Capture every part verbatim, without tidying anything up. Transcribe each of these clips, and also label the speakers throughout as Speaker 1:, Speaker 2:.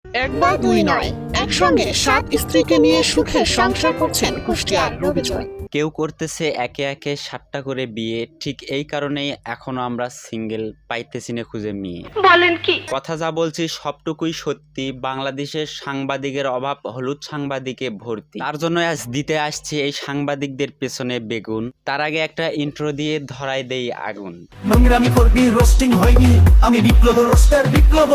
Speaker 1: এক বা দুই নয়, একসঙ্গে সাত স্ত্রীকে নিয়ে সুখে সংসার করছেন কুষ্টিয়ার রবিজয়।
Speaker 2: কেউ করতেছে একে একে সাতটা করে বিয়ে, ঠিক এই কারণেই এখনো আমরা সিঙ্গেল পাইতেছি না খুঁজে মেয়ে।
Speaker 3: বলেন কি?
Speaker 2: কথা যা বলছি সবটুকুই সত্যি। বাংলাদেশের সাংবাদিকের অভাব হলুদ সাংবাদিকে ভর্তি, তার জন্য আজ দিতে আসছি এই সাংবাদিকদের পেছনে বেগুন। তার আগে একটা ইন্ট্রো দিয়ে ধরাই দেই আগুন।
Speaker 4: নোংরামি করবি, রোস্টিং হয়নি, আমি বিপ্লব রোস্টার বিপ্লব।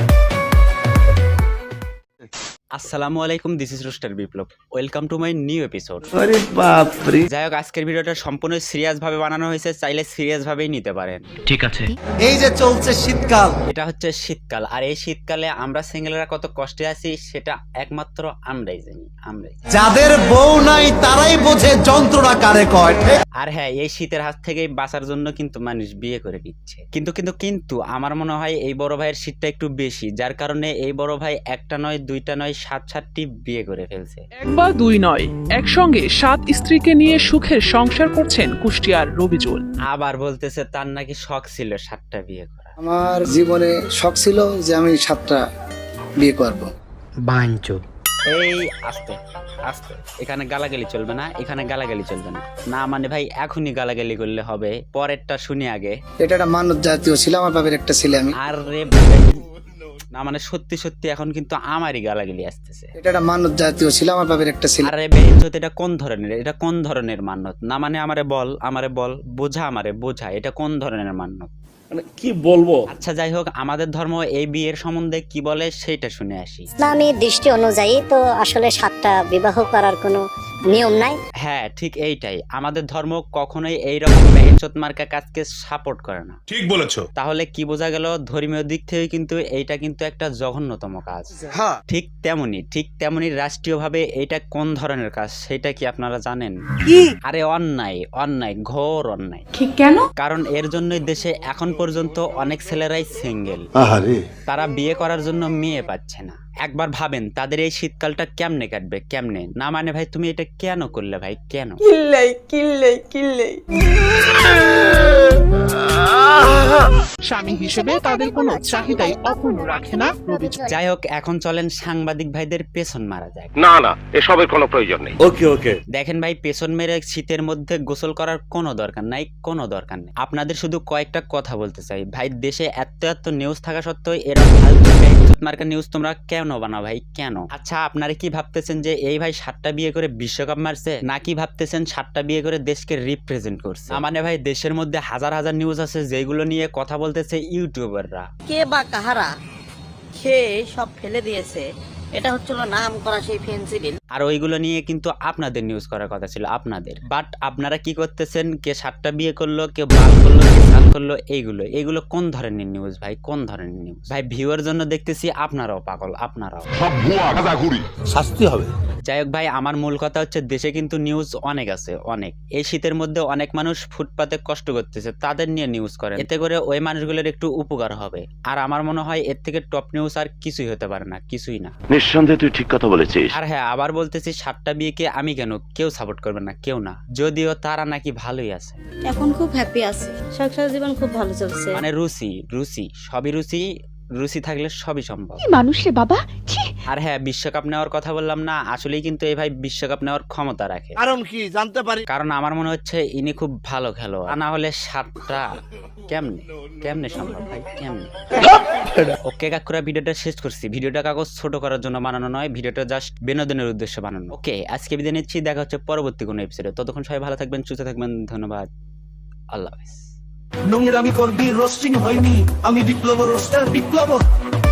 Speaker 2: আসসালামু আলাইকুম, this is roaster Biplob. Welcome to my new episode.
Speaker 4: আরে বাপ রে।
Speaker 2: যাই হোক, আজকের ভিডিওটা সম্পূর্ণ সিরিয়াস ভাবে বানানো হয়েছে, চাইলে সিরিয়াস ভাবেই নিতে পারেন।
Speaker 4: ঠিক আছে। এই যে চলছে শীতকাল,
Speaker 2: এটা হচ্ছে শীতকাল, আর এই শীতকালে আমরা সিঙ্গেলরা কত কষ্টে আছি সেটা একমাত্র আমরাই জানি, আমরাই।
Speaker 4: যাদের বউ নাই তারাই বোঝে যন্ত্রণা কারে কয়।
Speaker 2: আর হ্যাঁ, এই শীতের হাত থেকে বাঁচার জন্য কিন্তু মানুষ বিয়ে করে নিচ্ছে। কিন্তু কিন্তু কিন্তু আমার মনে হয় এই বড় ভাইয়ের শীতটা একটু বেশি, যার কারণে এই বড় ভাই একটা নয় দুইটা নয় সাত সাতটি বিয়ে করে ফেলছে।
Speaker 1: এক বা দুই নয়, একসঙ্গে সাত স্ত্রীকে নিয়ে সুখের সংসার করছেন কুষ্টিয়ার রবিজুল।
Speaker 2: আবার বলতেছে তার নাকি শখ ছিল সাতটা বিয়ে করা।
Speaker 5: আমার জীবনে শখ ছিল যে আমি সাতটা বিয়ে করব।
Speaker 4: বাঞ্চো।
Speaker 2: এই আস্তে আস্তে, এখানে গালাগালি চলবে না, এখানে গালাগালি চলবে না। না মানে ভাই এখনই গালাগালি করলে হবে, পরেরটা শুনি আগে।
Speaker 5: এটা একটা মানব জাতীয় ছিল, আমার বাবার একটা ছেলে আমি।
Speaker 2: আর রে না মানে সত্যি সত্যি এখন কিন্তু আমারই গালাগালি আসতেছে।
Speaker 5: এটা একটা মানব জাতীয় ছিল, আমার বাবার একটা ছেলে।
Speaker 2: আরে বেঞ্চত, এটা কোন ধরনের, এটা কোন ধরনের মান্যত? না মানে আমারে বল, আমারে বল, বোঝা, আমারে বোঝা, এটা কোন ধরনের মান্যত?
Speaker 6: মানে কি বলবো।
Speaker 2: আচ্ছা যাই হোক, আমাদের ধর্ম এই বিয়ের সম্বন্ধে কি বলে সেটা শুনে আসি।
Speaker 7: ইসলামী দৃষ্টি অনুযায়ী তো আসলে সাতটা বিবাহ করার কোনো নিয়ম নাই।
Speaker 2: হ্যাঁ ঠিক এইটাই, আমাদের ধর্ম কখনোই এইরকম বেহেনচোত মার্কা কাজকে সাপোর্ট করে না।
Speaker 6: ঠিক বলেছো।
Speaker 2: তাহলে কি বোঝা গেল? ধর্মীয় দিক থেকে কিন্তু এইটা কিন্তু একটা জঘন্যতম কাজ। ঠিক তেমনি ঠিক তেমনি রাষ্ট্রীয়ভাবে এটা কোন ধরনের কাজ সেটা কি আপনারা জানেন? আরে অন্যায়, অন্যায়, ঘোর অন্যায়।
Speaker 3: ঠিক কেন?
Speaker 2: কারণ এর জন্যই দেশে এখন পর্যন্ত অনেক ছেলেরাই সিঙ্গেল, তারা বিয়ে করার জন্য মেয়ে পাচ্ছে না। একবার ভাবেন তাদের এই শীতকালটা কেমনে কাটবে, কেমনে? না মানে ভাই তুমি এটা কেন করলে ভাই, কেন?
Speaker 3: কিল্লাই কিল্লাই কিল্লাই।
Speaker 1: স্বামী হিসেবে তাদের কোনো চাহিদাই অপূর্ণ রাখে না রবিজয়।
Speaker 2: যাই হোক, এখন চলেন সাংবাদিক ভাইদের পেছন মারা যায়।
Speaker 6: না না, এসবের কোনো প্রয়োজন নেই। ওকে ওকে।
Speaker 2: দেখেন ভাই, পেছন মেরে শীতের মধ্যে গোসল করার কোনো দরকার নাই, কোনো দরকার নেই। আপনাদের শুধু কয়েকটা কথা বলতে চাই ভাই, দেশে এত এত নিউজ থাকা সত্ত্বেও এরকম ফালতু বেইজ্জত মার্কা নিউজ তোমরা কেন বানাও ভাই, কেন? আচ্ছা আপনারা কি ভাবতেছেন যে এই ভাই সাতটা বিয়ে করে বিশ্বকাপ মারছে, নাকি ভাবতেছেন সাতটা বিয়ে করে দেশকে রিপ্রেজেন্ট করছে? মানে ভাই দেশের মধ্যে হাজার হাজার নিউজ আছে যেগুলো নিয়ে কথা বলতেছে ইউটিউবাররা।
Speaker 8: কে বা কাহারা খেয়ে সব ফেলে দিয়েছে, এটা হচ্ছিল নাম করা সেই ফেন্সিডিল।
Speaker 2: আর ওইগুলো নিয়ে কিন্তু আপনাদের নিউজ করার কথা ছিল, আপনাদের। বাট আপনারা কি করতেছেন, কে সাতটা বিয়ে করলো, কে বাদ করলো, কে সাত করলো, এইগুলো এইগুলো কোন ধরনের নিউজ ভাই, কোন ধরনের নিউজ ভাই? ভিউয়ার জন্য দেখতেছি আপনারাও পাগল, আপনারাও।
Speaker 4: শাস্তি হবে।
Speaker 2: যাই হোক ভাই, আমার মূল কথা হচ্ছে দেশে কিন্তু নিউজ অনেক আছে, অনেক। এই শীতের মধ্যে অনেক মানুষ ফুটপাতে কষ্ট করতেছে, তাদের নিয়ে নিউজ করেন, এতে করে ওই মানুষগুলোর একটু উপকার হবে। আর আমার মনে হয় এর থেকে টপ নিউজ আর কিছুই হতে পারে না, কিছুই না।
Speaker 6: নিঃসন্দেহে তুই ঠিক কথা বলেছিস।
Speaker 2: আর হ্যাঁ, আবার বলতেছি সাতটা বিয়েকে আমি কেন, কেউ সাপোর্ট করবে না, কেউ না। যদিও তারা নাকি ভালোই আছে,
Speaker 7: এখন খুব হ্যাপি আছে, সংসার জীবন খুব ভালো চলছে।
Speaker 2: মানে রুচি রুচি সবই রুচি, রুচি থাকলে সবই সম্ভব।
Speaker 3: মানুষ রে বাবা।
Speaker 2: আর হ্যাঁ, বিশ্বকাপ নেওয়ার কথা বললাম না, আসলেই কিন্তু এই ভাই বিশ্বকাপ নেওয়ার ক্ষমতা রাখে।
Speaker 4: কারণ কি জানতে পারি?
Speaker 2: কারণ আমার মনে হচ্ছে ইনি খুব ভালো খেলোয়াড়, না হলে সাতটা কেমনে কেমনে সম্ভব ভাই, কেমনে? ওকে কাকুরা, ভিডিওটা শেষ করছি। ভিডিওটা কাগজ ছোট করার জন্য বানানো নয়, ভিডিওটা জাস্ট বিনোদনের উদ্দেশ্যে বানানো। ওকে, আজকে বিদায় নিচ্ছি, দেখা হচ্ছে পরবর্তী কোনো এপিসোডে। ততক্ষণ সবাই ভালো থাকবেন, সুস্থ থাকবেন, ধন্যবাদ, আল্লাহ হাফেজ।
Speaker 4: নোংরামি করবি, রোস্টিং হয়নি, আমি বিপ্লব রোস্টার বিপ্লব।